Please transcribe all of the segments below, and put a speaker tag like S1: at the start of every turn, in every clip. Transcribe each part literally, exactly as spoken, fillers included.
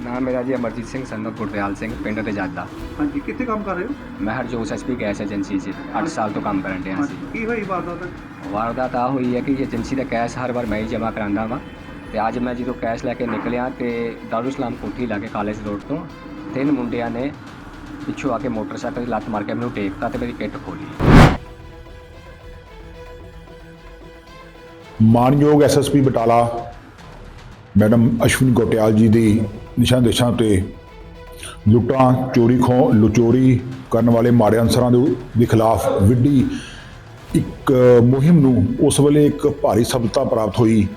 S1: नाम मेरा जी अमरजीत सिंह सन ऑफ गुरदयाल सिंह पिंड रजादा।
S2: हाँ जी, कितने काम कर रहे हो?
S1: मैं Harjot S P gas agency 'ਚ ਅੱਠ ਸਾਲ ਤੋਂ ਕੰਮ ਕਰਨ ਡਿਆ
S2: हाँ
S1: ਸੀ।
S2: जी, की हुई वारदात?
S1: ਵਾਰਦਾਤ ਆ ਹੋਈ ਹੈ ਕਿ ਏਜੰਸੀ ਦਾ ਕੈਸ਼ ਹਰ ਵਾਰ ਮੈਂ ਹੀ ਜਮ੍ਹਾਂ ਕਰਾਉਂਦਾ ਵਾਂ ਤੇ ਅੱਜ ਮੈਂ ਜਦੋਂ ਕੈਸ਼ ਲੈ ਕੇ ਨਿਕਲਿਆ ਤੇ ਦਾਰੂ ਇਸਲਾਮ ਕੋਠੀ ਲਾਗੇ ਕਾਲਜ ਰੋਡ ਤੋਂ ਤਿੰਨ ਮੁੰਡਿਆਂ ਨੇ ਪਿੱਛੋਂ ਆ ਕੇ ਮੋਟਰਸਾਈਕਲ 'ਤੇ ਲੱਤ ਮਾਰ ਕੇ ਮੈਨੂੰ ਟੇਕਤਾ ਤੇ ਮੇਰੀ ਕਿੱਟ ਖੋਲੀ।
S3: ਮਾਨਯੋਗ S S P Batala madam Ashwani Gotyal ji ਦੀ ਨਿਸ਼ਾਨ ਦੇਸ਼ਾਂ ਤੇ ਲੁੱਟਾਂ ਚੋਰੀ ਖੋਹ ਲੁਚੋਰੀ ਕਰਨ ਵਾਲੇ ਮਾੜੇ ਅਨਸਰਾਂ ਦੇ ਦੇ ਖਿਲਾਫ ਵਿੱਢੀ ਇੱਕ ਮੁਹਿੰਮ ਨੂੰ ਉਸ ਵੇਲੇ ਇੱਕ ਭਾਰੀ ਸਫਲਤਾ ਪ੍ਰਾਪਤ ਹੋਈ।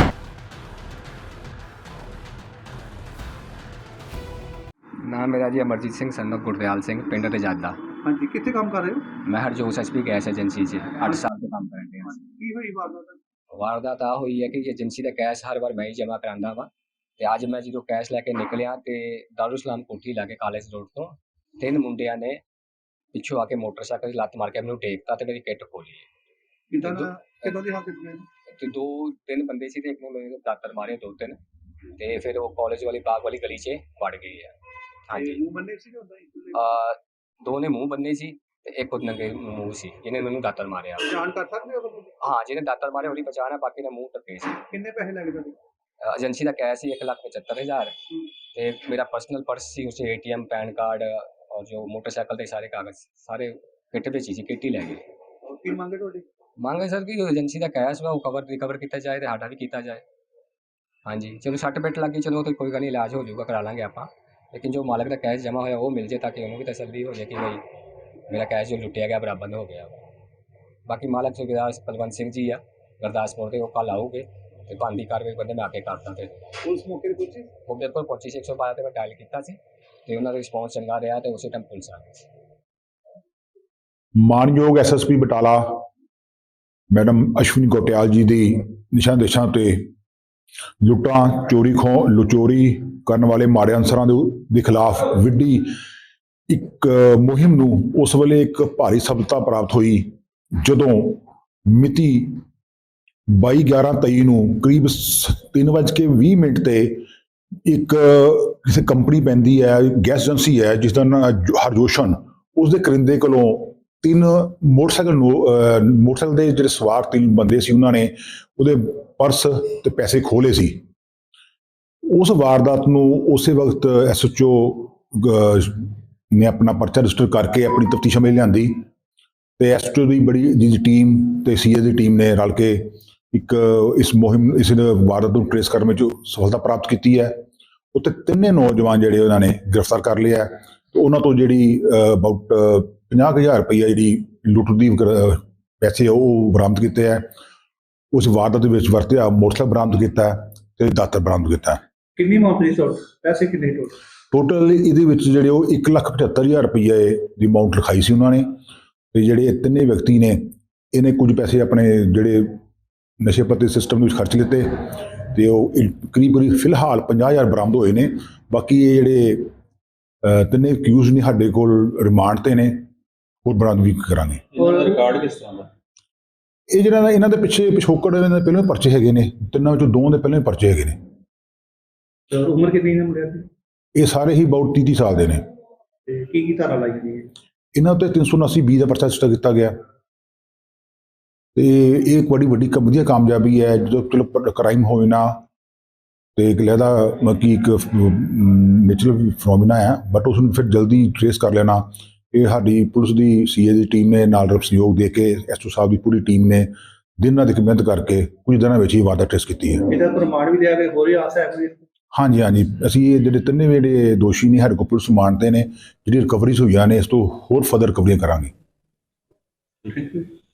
S1: ਨਾਮ ਮੇਰਾ ਜੀ ਅਮਰਜੀਤ ਸਿੰਘ सन ऑफ ਗੁਰਦयाल ਸਿੰਘ ਪਿੰਡ ਰਜਾਦਾ।
S2: हाँ जी, कितने काम कर रहे हो?
S1: ਮੈਂ Harjot S P gas agency 'ਚ ਅੱਠ ਸਾਲ ਤੋਂ ਕੰਮ ਕਰਨ ਡਿਆ ਸੀ।
S2: की हुई वारदात?
S1: ਵਾਰਦਾਤ ਆ ਹੋਈ ਹੈ ਕਿ ਏਜੰਸੀ ਦਾ ਕੈਸ਼ ਹਰ ਵਾਰ ਮੈਂ ਹੀ ਜਮ੍ਹਾਂ ਕਰਾਉਂਦਾ ਵਾਂ ਤੇ ਅੱਜ ਮੈਂ ਜਦੋਂ ਕੈਸ਼ ਲੈ ਕੇ ਨਿਕਲਿਆ ਤੇ ਦਾਰੂ ਇਸਲਾਮ ਕੋਠੀ ਲਾਗੇ ਕਾਲਜ ਰੋਡ ਤੋਂ ਤਿੰਨ ਮੁੰਡਿਆਂ ਨੇ ਪਿੱਛੋਂ ਆ ਕੇ ਮੋਟਰਸਾਈਕਲ 'ਤੇ ਲੱਤ ਮਾਰ ਕੇ ਮੈਨੂੰ ਟੇਕਤਾ ਤੇ ਮੇਰੀ ਕਿੱਟ ਖੋਲੀ
S2: कितना कितना दी हालत में?
S1: ਤੇ ਦੋ ਤਿੰਨ ਬੰਦੇ ਸੀ ਤੇ ਇੱਕ ਨੂੰ ਮੇਰੇ ਦਾਤਰ ਮਾਰੇ ਦੋ ਤਿੰਨ ਤੇ ਫਿਰ ਉਹ ਕਾਲਜ ਵਾਲੀ ਬਾਗ ਵਾਲੀ ਗਲੀ 'ਚ ਵੜ ਗਈ ਹੈ। ਹਾਂਜੀ
S2: मुंह बनने से होता है?
S1: ਆ ਦੋ ਨੇ ਮੂੰਹ ਬੰਨੇ ਸੀ ਤੇ ਇੱਕ ਉਹ ਨੰਗੇ ਮੂੰਹ ਸੀ ਜਿਹਨੇ ਮੈਨੂੰ ਦਾਤਰ ਮਾਰਿਆ।
S2: जान कर सकते हो?
S1: ਹਾਂ ਜਿਹਨੇ ਦਾਤਰ ਮਾਰੇ ਉਹਦੀ ਪਛਾਣ ਹੈ, ਬਾਕੀ ਦਾ ਮੂੰਹ ਟੱਕੇ ਸੀ।
S2: कितने पैसे लगे थे?
S1: ਏਜੰਸੀ ਦਾ ਕੈਸ਼ ਸੀ ਇੱਕ ਲੱਖ ਪਚੱਤਰ ਹਜ਼ਾਰ ਤੇ ਮੇਰਾ ਪਰਸਨਲ ਪਰਸ ਸੀ ਉਸੇ A T M PAN card ਔਰ ਜੋ ਮੋਟਰਸਾਈਕਲ ਦੇ ਸਾਰੇ ਕਾਗਜ਼ ਸਾਰੇ ਕਿੱਟ ਵਿੱਚ ਹੀ ਸੀ, ਕਿੱਟ ਹੀ ਲੈ ਗਏ।
S2: और की मांगे थोड़ी?
S1: ਮੰਗ ਹੈ ਸਰ ਕਿ ਏਜੰਸੀ ਦਾ ਕੈਸ਼ ਵਾ ਉਹ ਕਵਰ ਰਿਕਵਰ ਕੀਤਾ ਜਾਏ ਤੇ ਸਾਡਾ ਵੀ ਕੀਤਾ ਜਾਏ। ਹਾਂਜੀ ਚਲੋ ਸੱਟ ਪਿੱਟ ਲੱਗੀ ਚਲੋ ਤੇ ਕੋਈ ਗੱਲ ਨਹੀਂ, ਇਲਾਜ ਹੋ ਜਾਊਗਾ, ਕਰਾ ਲਾਂਗੇ ਆਪਾਂ, ਲੇਕਿਨ ਜੋ ਮਾਲਕ ਦਾ ਕੈਸ਼ ਜਮ੍ਹਾਂ ਹੋਇਆ ਉਹ ਮਿਲ ਜੇ ਤਾਂ ਕਿ ਉਹਨੂੰ ਵੀ ਤਸੱਲੀ ਹੋ ਜਾਏ ਕਿ ਬਈ ਮੇਰਾ ਕੈਸ਼ ਜੋ ਲੁੱਟਿਆ ਗਿਆ ਬਰਾਬਰ ਹੋ ਗਿਆ। ਬਾਕੀ ਮਾਲਕ ਸੁਬੇਦਾਰ ਬਲਵੰਤ ਸਿੰਘ ਜੀ ਆ ਗੁਰਦਾਸਪੁਰ ਦੇ, ਉਹ ਕੱਲ੍ਹ ਆਊਗੇ ਤੇ ਬਣਦੀ ਕਾਰਵਾਈ ਬੰਦੇ ਮੈਂ ਆ ਕੇ ਕਰਦਾ। ਤੇ
S2: पुलिस मौके पर पहुंची?
S1: ਉਹ ਮੇਰੇ ਕੋਲ ਪਹੁੰਚੀ ਸੀ, ਇੱਕ ਸੌ ਬਾਰਾਂ 'ਤੇ ਮੈਂ ਡਾਇਲ ਕੀਤਾ ਸੀ ਤੇ ਉਹਨਾਂ ਦਾ ਰਿਸਪੌਂਸ ਚੰਗਾ ਰਿਹਾ ਤੇ ਉਸੇ ਟਾਈਮ ਪੁਲਿਸ ਆ ਗਈ ਸੀ।
S3: ਮਾਨਯੋਗ S S P Batala madam Ashwani Gotyal ji ਦੀ ਨਿਸ਼ਾਨ ਦੇਸ਼ਾਂ ਤੇ ਲੁੱਟਾਂ ਚੋਰੀ ਖੋਹ ਲੁਚੋਰੀ ਕਰਨ ਵਾਲੇ ਮਾੜੇ ਅਨਸਰਾਂ ਦੇ ਦੇ ਖਿਲਾਫ ਵਿੱਢੀ ਇੱਕ ਮੁਹਿੰਮ ਨੂੰ ਉਸ ਵੇਲੇ ਇੱਕ ਭਾਰੀ ਸਫਲਤਾ ਪ੍ਰਾਪਤ ਹੋਈ ਜਦੋਂ ਮਿਤੀ ਬਾਈ ਗਿਆਰਾਂ ਤੇਈ ਨੂੰ ਕਰੀਬ ਤਿੰਨ ਵੱਜ ਕੇ ਵੀਹ ਮਿੰਟ ਤੇ ਇੱਕ ਕਿਸੇ ਕੰਪਨੀ ਪੈਂਦੀ ਹੈ, ਗੈਸ ਏਜੰਸੀ ਹੈ ਜਿਸ ਦਾ ਨਾਂ ਹਰਜੋਸ਼ਨ, ਉਸ ਦੇ ਕਰਿੰਦੇ ਕੋਲੋਂ ਤਿੰਨ ਮੋਟਰਸਾਈਕਲ ਮੋਟਰਸਾਈਕਲ ਦੇ ਜਿਹੜੇ ਸਵਾਰ ਤਿੰਨ ਬੰਦੇ ਸੀ ਉਹਨਾਂ ਨੇ ਉਹਦੇ ਪਰਸ ਤੇ ਪੈਸੇ ਖੋਲੇ ਸੀ। ਉਸ ਵਾਰਦਾਤ ਨੂੰ ਉਸੇ ਵਕਤ ਐਸ ਐਚ ਓ ਨੇ ਆਪਣਾ ਪਰਚਾ ਰਜਿਸਟਰ ਕਰਕੇ ਆਪਣੀ ਤਫਤੀਸ਼ ਅਮਲ ਲਿਆਂਦੀ ਤੇ ਐਸ ਐਚ ਓ ਦੀ ਬੜੀ ਜੀ ਟੀਮ ਤੇ ਸੀ ਏ ਦੀ ਟੀਮ ਨੇ ਰਲ ਕੇ ਇੱਕ ਇਸ ਮੁਹਿੰਮ ਇਸ ਵਾਰਦਾਤ ਨੂੰ ਟ੍ਰੇਸ ਕਰਨ ਵਿੱਚ ਸਫਲਤਾ ਪ੍ਰਾਪਤ ਕੀਤੀ ਹੈ। ਉੱਥੇ ਤਿੰਨੇ ਨੌਜਵਾਨ ਜਿਹੜੇ ਉਹਨਾਂ ਨੇ ਗ੍ਰਿਫਤਾਰ ਕਰ ਲਿਆ ਤੇ ਉਹਨਾਂ ਤੋਂ ਜਿਹੜੀ ਅਬਾਊਟ ਪੰਜਾਹ ਕੁ ਹਜ਼ਾਰ ਰੁਪਈਆ ਜਿਹੜੀ ਲੁੱਟ ਦੀ ਪੈਸੇ ਉਹ ਬਰਾਮਦ ਕੀਤੇ ਹੈ। ਉਸ ਵਾਰਦਾਤ ਦੇ ਵਿੱਚ ਵਰਤਿਆ ਮੋਟਰਸਾਈਕਲ ਬਰਾਮਦ ਕੀਤਾ ਤੇ ਦਾਤਰ ਬਰਾਮਦ ਕੀਤਾ।
S2: कितनी अमाउंट थी टोटल? पैसे कितने टोटल?
S3: ਟੋਟਲ ਇਹਦੇ ਵਿੱਚ ਜਿਹੜੇ ਉਹ ਇੱਕ ਲੱਖ ਪਝੱਤਰ ਹਜ਼ਾਰ ਰੁਪਈਏ ਦੀ ਅਮਾਊਂਟ ਲਿਖਾਈ ਸੀ ਉਹਨਾਂ ਨੇ ਤੇ ਜਿਹੜੇ ਇਹ ਤਿੰਨੇ ਵਿਅਕਤੀ ਨੇ ਇਹਨੇ ਕੁਝ ਪੈਸੇ ਆਪਣੇ ਜਿਹੜੇ ਨਸ਼ੇ ਪੱਤੇ ਸਿਸਟਮ ਦੇ ਵਿੱਚ ਖਰਚ ਲਿੱਤੇ ਤੇ ਉਹ ਕਰੀਬ ਕਰੀਬ ਫਿਲਹਾਲ ਪੰਜਾਹ ਹਜ਼ਾਰ ਬਰਾਮਦ ਹੋਏ ਨੇ। ਬਾਕੀ ਇਹ ਜਿਹੜੇ ਤਿੰਨੇ ਅਕਿਊਜ਼ ਨੇ ਸਾਡੇ ਕੋਲ ਰਿਮਾਂਡ ਤੇ ਨੇ, ਹੋਰ ਬਰਾਮਦ ਵੀ ਕਰਾਂਗੇ।
S2: और रिकॉर्ड किस तरह का?
S3: ਇਹ ਜਿਹੜਾ ਨਾ ਇਹਨਾਂ ਦੇ ਪਿੱਛੇ ਪਿਛੋਕੜ ਇਹਨਾਂ ਦੇ ਪਹਿਲਾਂ ਹੀ ਪਰਚੇ ਹੈਗੇ ਨੇ, ਤਿੰਨਾਂ ਵਿੱਚੋਂ ਦੋ ਦੇ ਪਹਿਲਾਂ ਹੀ ਪਰਚੇ ਹੈਗੇ ਨੇ।
S2: और उम्र कितनी है मुंडे दी?
S3: ਇਹ ਸਾਰੇ ਹੀ ਅਬਾਊਟ ਤੀਹ ਤੀਹ ਸਾਲ ਦੇ ਨੇ।
S2: ਤੇ ਕੀ ਕੀ ਧਾਰਾ ਲਾਈ ਗਈ ਹੈ?
S3: ਇਹਨਾਂ ਉੱਤੇ ਤਿੰਨ ਸੌ ਉਨਾਸੀ ਬੀ ਦਾ ਪਰਚਾ ਰਜਿਸਟਰ ਕੀਤਾ ਗਿਆ ਤੇ ਇਹ ਇੱਕ ਬੜੀ ਵੱਡੀ ਕ- ਵਧੀਆ ਕਾਮਯਾਬੀ ਹੈ। ਜਦੋਂ ਚਲੋ ਕ੍ਰਾਈਮ ਹੋਏ ਨਾ ਤੇ ਇੱਕ ਲਹਿਦਾ ਮਤਲਬ ਕਿ ਇੱਕ ਨੈਚੁਰਲ ਫਨੋਮੀਨਾ ਹੈ, ਬਟ ਉਸ ਨੂੰ ਫਿਰ ਜਲਦੀ ਟ੍ਰੇਸ ਕਰ ਲੈਣਾ ਇਹ ਸਾਡੀ ਪੁਲਿਸ ਦੀ ਸੀ ਏ ਦੀ ਟੀਮ ਨੇ ਨਾਲ ਸਹਿਯੋਗ ਦੇ ਕੇ ਐਸ ਓ ਸਾਹਿਬ ਦੀ ਪੂਰੀ ਟੀਮ ਨੇ ਦਿਨ ਰਾਤ ਮਿਹਨਤ ਕਰਕੇ ਕੁਝ ਦਿਨਾਂ ਵਿੱਚ ਹੀ ਵਾਰਦਾਤ ਟ੍ਰੇਸ ਕੀਤੀ ਹੈ।
S2: ਇਹਦਾ ਪ੍ਰਮਾਣ ਵੀ ਲਿਆ ਕੇ ਹੋਰ ਹੀ ਆਸ ਹੈ ਕੋਈ?
S3: ਹਾਂਜੀ ਹਾਂਜੀ ਅਸੀਂ ਇਹ ਜਿਹੜੇ ਤਿੰਨੇ ਜਿਹੜੇ ਦੋਸ਼ੀ ਨੇ ਸਾਡੇ ਕੋਲ ਪੁਲਿਸ ਮਾਨਦੇ ਨੇ, ਜਿਹੜੀ ਰਿਕਵਰੀਜ਼ ਹੋਈਆਂ ਨੇ ਇਸ ਤੋਂ ਹੋਰ ਫਰਦਰ ਰਿਕਵਰੀਆਂ ਕਰਾਂਗੇ।
S2: Thank you.